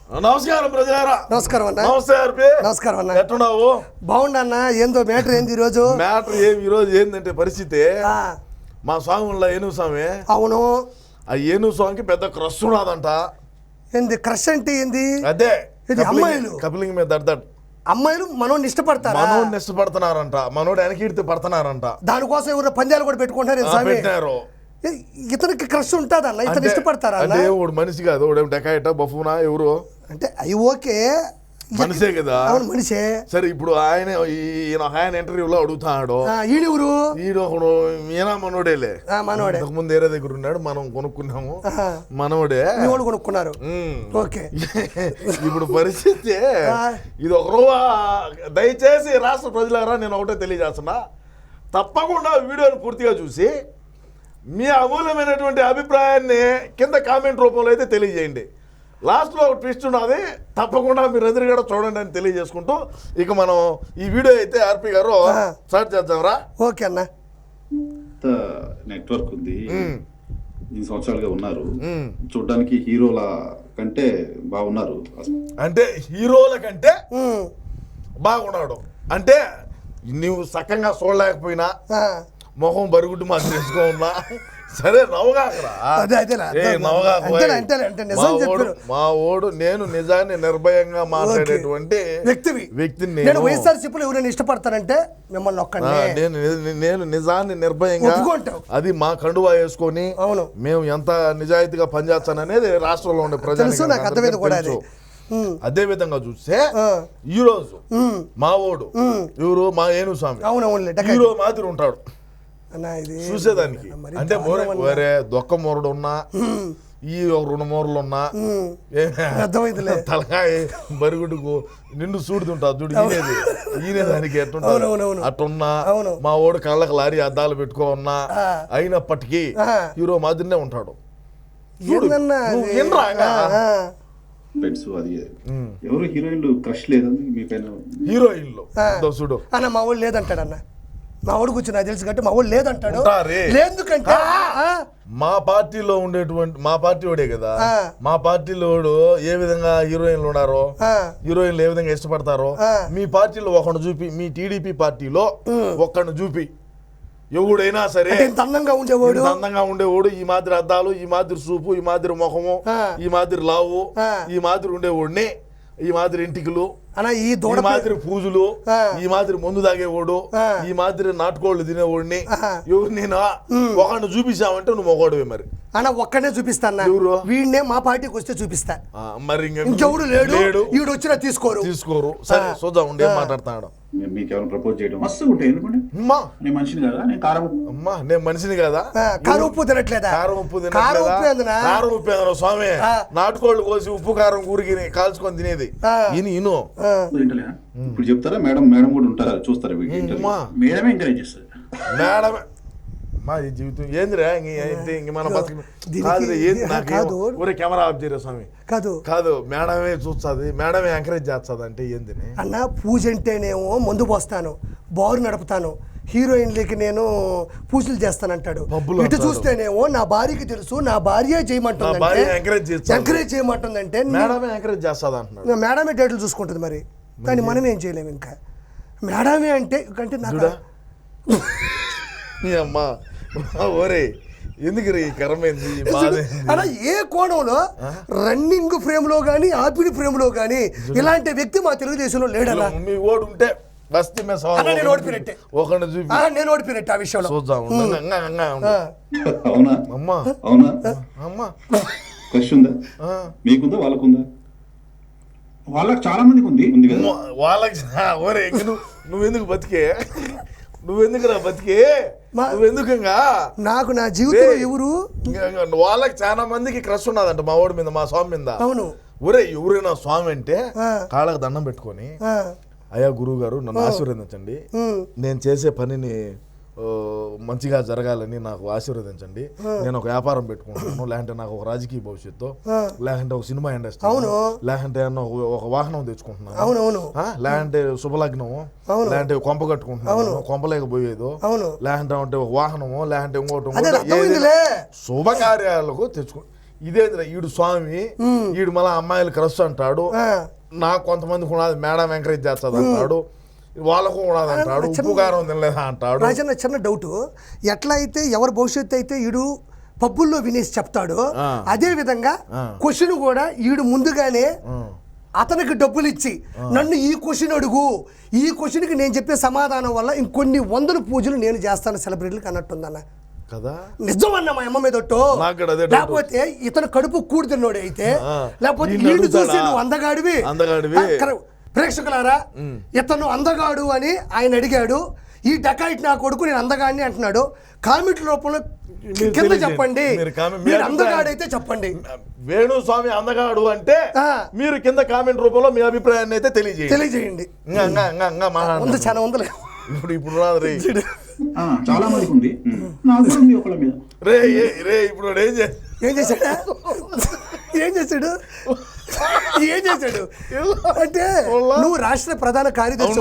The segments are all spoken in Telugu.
నమస్కారం ప్రజలారా. నమస్కారం అన్న. నమస్తే ఆర్పి. నమస్కారం అన్న. ఎట్టున్నావు? బాగుండన్నా. ఏందో మ్యాటర్ ఏంది ఈరోజు? మ్యాటర్ ఈరోజు ఏంటంటే పరిస్థితి, మా స్వామి ఉన్న ఏనుగు స్వామి. అవును. ఆ ఏనుగు స్వామికి పెద్ద క్రష్ ఉన్నదంట. ఏంది క్రష్ అంటే ఏంది? అదే అమ్మాయిలు కపిలింగ్ మీద దర్దడ్. అమ్మాయిలు మనోడిని ఇష్టపడతారు. మనోడిని ఇష్టపడుతున్నారంట. మనోడు వెనకీడితే పడుతున్నారంట. దానికోసం ఎవరు పందాలు కూడా పెట్టుకుంటారు. పెట్టినారు. ఇతనికి క్రష్ ఉంటుందన్న. ఇతను ఇష్టపడతారా? అంటే వాడు మనిషి కాదు, వాడు డెకాయిట బఫూనా ఎవరు అంటే అవి ఓకే, మనిషే కదా. అవును మనిషే. సరే ఇప్పుడు ఆయన ఇంటర్వ్యూలో అడుగుతాడు, ఈడెవరు? ఈడొకడు ఈయన మనోడేలే. మనోడే. ముందు వేరే దగ్గర ఉన్నాడు, మనం కొనుక్కున్నాము. మనోడే కొనుక్కున్నారు. ఓకే. ఇప్పుడు పరిస్థితి ఇది ఒక దయచేసి రాష్ట్ర ప్రజలారా నేను ఒకటే తెలియజేస్తున్నా, తప్పకుండా వీడియోని పూర్తిగా చూసి మీ అమూల్యమైనటువంటి అభిప్రాయాన్ని కింద కామెంట్ రూపంలో అయితే తెలియజేయండి. లాస్ట్లో ఒక ట్విస్ట్ ఉన్నది, తప్పకుండా మీరు ఎదురు కూడా చూడండి అని తెలియజేసుకుంటూ ఇక మనం ఈ వీడియో అయితే ఆర్పి గారు స్టార్ట్ చేద్దాంరా. ఓకే అన్న. నెట్వర్క్ ఉంది, 2 సంవత్సరాలుగా ఉన్నారు. చూడడానికి హీరోల కంటే బాగున్నారు. అంటే హీరోల కంటే బాగున్నాడు అంటే నువ్వు సక్కంగా చూడలేకపోయినా, మొహం బరుగుడ్డు మాకు తెలుసుకో ఉన్నా సరే నవ్వగాకరా. మా ఓడు నేను నిజాన్ని నిర్భయంగా మాట్లాడేటువంటి వ్యక్తిని. వైఎస్ఆర్సీపీలో ఎవరైనా ఇష్టపడతారంటే మిమ్మల్ని ఒక్కడే. నేను నిజాన్ని నిర్భయంగా, అది మా కండువా వేసుకొని మేము ఎంత నిజాయితీగా పనిచేస్తాననేది రాష్ట్రంలో ఉండే ప్రజలు. అదే విధంగా చూస్తే ఈ రోజు మా ఓడు ఎవరు, మా ఏనుగు స్వామి హీరో మాదిరి ఉంటాడు చూసేదానికి. అంటే వేరే దొక్క మూరడు ఉన్నా, ఈ ఒక 2 మూరలు ఉన్నా, తలకాయ బరుగుడుకు నిండు చూడుతుంటాడు చూడు, ఈనేదానికి ఎట్టుంటాడు అట్టున్నా. మా ఓడు కళ్ళకి లారీ అద్దాలు పెట్టుకో ఉన్నా, అయినప్పటికీ హీరో మాదిరినే ఉంటాడు. ఎవరు హీరోయిన్లు క్రష్ లేదని మీ పైన? హీరోయిన్లు చూడు అన్న మా వాడు లేదంటాడు అన్న. మా వాడు కూర్చొని నాకు తెలుసు కాబట్టి మా వాడు లేదంటాడు. లేదుకంటే మా పార్టీలో ఉండేటువంటి, మా పార్టీ వాడే కదా, మా పార్టీలో ఏ విధంగా హీరోయిన్లు ఉన్నారో, హీరోయిన్లు ఏ విధంగా ఇష్టపడతారో, మీ పార్టీలో ఒకడు చూపి, మీ టీడీపీ పార్టీలో ఒక్కడిని చూపి, ఎవడైనా సరే అందంగా ఉండేవాడు, ఈ మాదిరి అద్దాలు, ఈ మాదిరి చూపు, ఈ మాదిరి ముఖము, ఈ మాదిరి లావు, ఈ మాదిరి ఉండేవాడిని, ఈ మాదిరి ఇంటికలు, ఈ మాదిరి పూజలు, ఈ మాదిరి మందు తాగేవాడు, ఈ మాదిరి నాటుకోళ్ళు తినేవాడిని ఎవరు నేను ఒకడిని చూపించామంటే నువ్వు ఒకడివే. మరి అన్న ఒక్కడే చూపిస్తాను, వీడినే మా పార్టీకి వస్తే చూపిస్తా. మరి ఇంకెవడు లేడు, వీడు వచ్చినా తీసుకోరు. సరే చూద్దాం ఉండే మాట్లాడుతున్నాడు. మీకేమైనా ప్రపోజ్ చేయడం మస్తు ఉంటాయి. ఎందుకంటే నేను మనిషిని కదా, నేను కారం ఉప్పు తినట్లేదా? కారం ఉప్పు స్వామి, నాటుకోళ్ళు కోసి ఉప్పు కారం ఊరికి కాల్చుకొని తినేది. ఇప్పుడు చెప్తారా? మేడం కూడా ఉంటారా, చూస్తారా? మేడమే ఎంకరేజ్ చేస్తారు. మేడమే మా జీవితం ఏందిరా, ఇంక మన కెమెరా ఆఫ్ చేయరా స్వామి? కాదు మేడమే చూస్తుంది, మేడమే ఎంకరేజ్ చేస్తుంది. అంటే ఏంది అన్న? పూజ అంటేనేమో మందు పోస్తాను, బారు నడుపుతాను, హీరోయిన్లకి నేను పూజలు చేస్తానంటాడు. ఇటు చూస్తేనేమో నా భార్యకి తెలుసు, నా భార్య చేయమంటుంది, ఎంకరేజ్ చేయమంటుందంటే మేడమే ఎంకరేజ్ చేస్తుంది అంటున్నాడు. మేడమే డేట్లు చూసుకుంటుంది. మరి కానీ మనం ఏం చేయలేము. ఇంకా మేడమే అంటే నాకు అమ్మా ఓరే ఎందుకు ఈ కరమైంది అలా ఏ కోణంలో రన్నింగ్ ఫ్రేమ్ లో గానీ, ఆపిడి ఫ్రేమ్ లో గానీ ఇలాంటి వ్యక్తి మా తెలుగుదేశంలో లేడలా. మీ ఓడు ఉంటే నేను ఓడిపోయినట్టే ఆ విషయంలో. మీకుందా వాళ్ళకుందా? వాళ్ళకి చాలా మందికి ఉంది కదా. వాళ్ళకి ఓరే నువ్వెందుకు బతికే, నువ్వెందుకురా బతికే, నువ్వెందుకంగా? నాకు నా జీవితం ఎవరు? వాళ్ళకి చాలా మందికి క్రష్ ఉన్నదంట మా ఓడి మీద, మా స్వామి మీద. అవును. ఒరే ఎవరైనా స్వామి అంటే కాళ్ళకు దండం పెట్టుకొని, అయ్యా గురువు గారు నన్ను ఆశీర్వదించండి, నేను చేసే పనిని మంచిగా జరగాలని నాకు ఆశీర్వదించండి, నేను ఒక వ్యాపారం పెట్టుకుంటున్నాను, లేదంటే నాకు ఒక రాజకీయ భవిష్యత్తు, లేదంటే ఒక సినిమా ఇండస్ట్రీ, లేదంటే ఒక వాహనం తెచ్చుకుంటున్నాను, లేదంటే శుభలగ్నము, లేదంటే కొంప కట్టుకుంటున్నాను, కొంపలేకపోయేదో, లేదంటే ఒక వాహనము, లేదంటే ఇంకోటి శుభకార్యాలకు తెచ్చుకో. ఇదేంద్ర ఈడు స్వామి ఈడు మళ్ళీ అమ్మాయిలు క్రష్ అంటాడు, నాకు కొంతమందికి ఉన్నది మేడం ఎంకరేజ్ చేస్తుంది అంటాడు, వాళ్ళకు ఉన్నది అంటాడు, ఉప్పు కారం తినలేదా అంటాడు. రాజన్న చిన్న డౌట్, ఎట్లా అయితే ఎవరి భవిష్యత్తు అయితే ఈడు పబ్బుల్లో వినేసి చెప్తాడు, అదే విధంగా క్వశ్చన్ కూడా ఈడు ముందుగానే అతనికి డబ్బులు ఇచ్చి నన్ను ఈ క్వశ్చన్ అడుగు, ఈ క్వశ్చన్కి నేను చెప్పే సమాధానం వల్ల ఇంకొన్ని వందల పూజలు నేను చేస్తాను సెలబ్రిటీలకు అన్నట్టుందన్న కదా. నిజం అన్న మా అమ్మ మీద ఒట్టు. లేకపోతే ఇతను కడుపు కూడి తిన్నోడు అయితే, లేకపోతే వీళ్ళు చూసి నువ్వు అందగాడివి ప్రేక్షకులారా ఇతను అందగాడు అని ఆయన అడిగాడు, ఈ డకాయిట్ నా కొడుకు నేను అందగాడిని అంటున్నాడు. కామెంట్ రూపంలో కింద చెప్పండి, మీరు అందగాడైతే చెప్పండి. వేణుస్వామి అందగాడు అంటే మీరు కింద కామెంట్ రూపంలో మీ అభిప్రాయాన్ని అయితే తెలియజేయండి. చాలా ఉందలే ఇప్పుడు చాలా మందికి ఉంది, నాకు కూడా ఉంది ఒకళ్ళ మీద. రే ఇప్పుడు ఏం చేశాడు అంటే నువ్వు రాష్ట్ర ప్రధాన కార్యదర్శి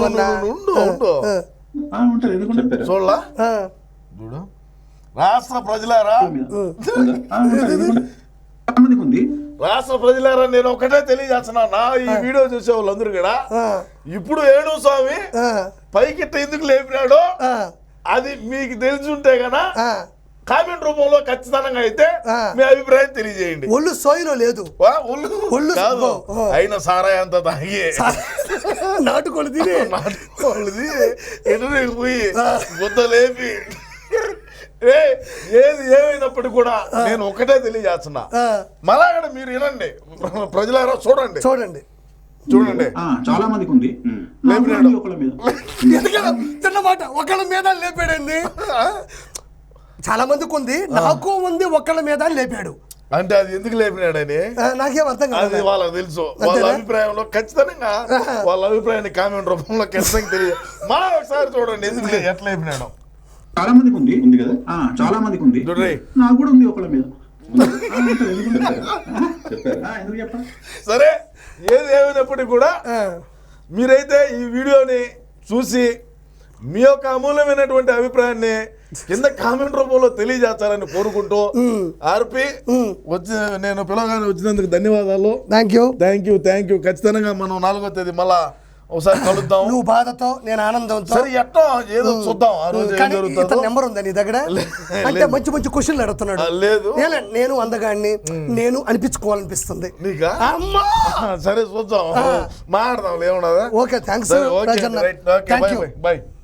చూడలా రాష్ట్ర ప్రజలారా, రాష్ట్ర ప్రజలారా నేను ఒకటే తెలియజేస్తున్నా, నా ఈ వీడియో చూసే వాళ్ళందరూ కూడా ఇప్పుడు వేణుస్వామి పైకిట్ట ఎందుకు లేపినాడో అది మీకు తెలుసుంటే గనా కామెంట్ రూపంలో ఖచ్చితంగా అయితే మీ అభిప్రాయం తెలియజేయండి. ఒళ్ళు సోయిలో లేదు, ఒళ్ళు కాదు అయినా సారా అంత తాగి నాటుకోళ్ళు తిని ఎటు పోయి గుద్ద లేపి ఏది ఏమైనప్పటికీ కూడా నేను ఒకటే తెలియజేస్తున్నా, మళ్ళా మీరు వినండి ప్రజలారా, చూడండి చాలా మందికి ఉంది, తిన్నమాట ఒకళ్ళ మీద లేపాడండి. చాలా మందికి ఉంది, నాకు ఉంది ఒకళ్ళ మీద లేపాడు అంటే అది ఎందుకు లేపినాడని నాకేం అర్థం కాదు. అది వాళ్ళకి తెలుసు, వాళ్ళ అభిప్రాయంలో ఖచ్చితంగా వాళ్ళ అభిప్రాయాన్ని కామెంట్ రూపంలో ఖచ్చితంగా తెలియదు. మళ్ళా ఒకసారి చూడండి ఎందుకు ఎట్లా లేపినాడు. చాలా మందికి ఉంది కదా, చాలా మందికి ఉంది, నాకు కూడా ఉంది ఒకళ్ళ మీద. సరే ఏది ఏమైనప్పటికీ కూడా మీరైతే ఈ వీడియోని చూసి మీ యొక్క అమూల్యమైనటువంటి అభిప్రాయాన్ని కింద కామెంట్ రూపంలో తెలియజేస్తారని కోరుకుంటూ ఆర్పి వచ్చి నేను పిలవగానే వచ్చినందుకు ధన్యవాదాలు. Thank you. ఖచ్చితంగా మనం 4వ తేదీ మళ్ళా ఒకసారి కలుద్దాం. నువ్వు బాధతో నేను ఆనందంతో. సరే ఎట్టో ఏదో చూద్దాం ఆ రోజు ఏం జరుగుతుందో. నెంబర్ ఉందా నీ దగ్గర? అంటే మంచి క్వశ్చన్లు అడుగుతున్నాడు. లేదు నేను అందగాడిని నేను అనిపించుకోవాలనిపిస్తుంది. నీకా? సరే చూద్దాం, మాట్లాడదాం. ఏమన్నా? Okay thanks. బై.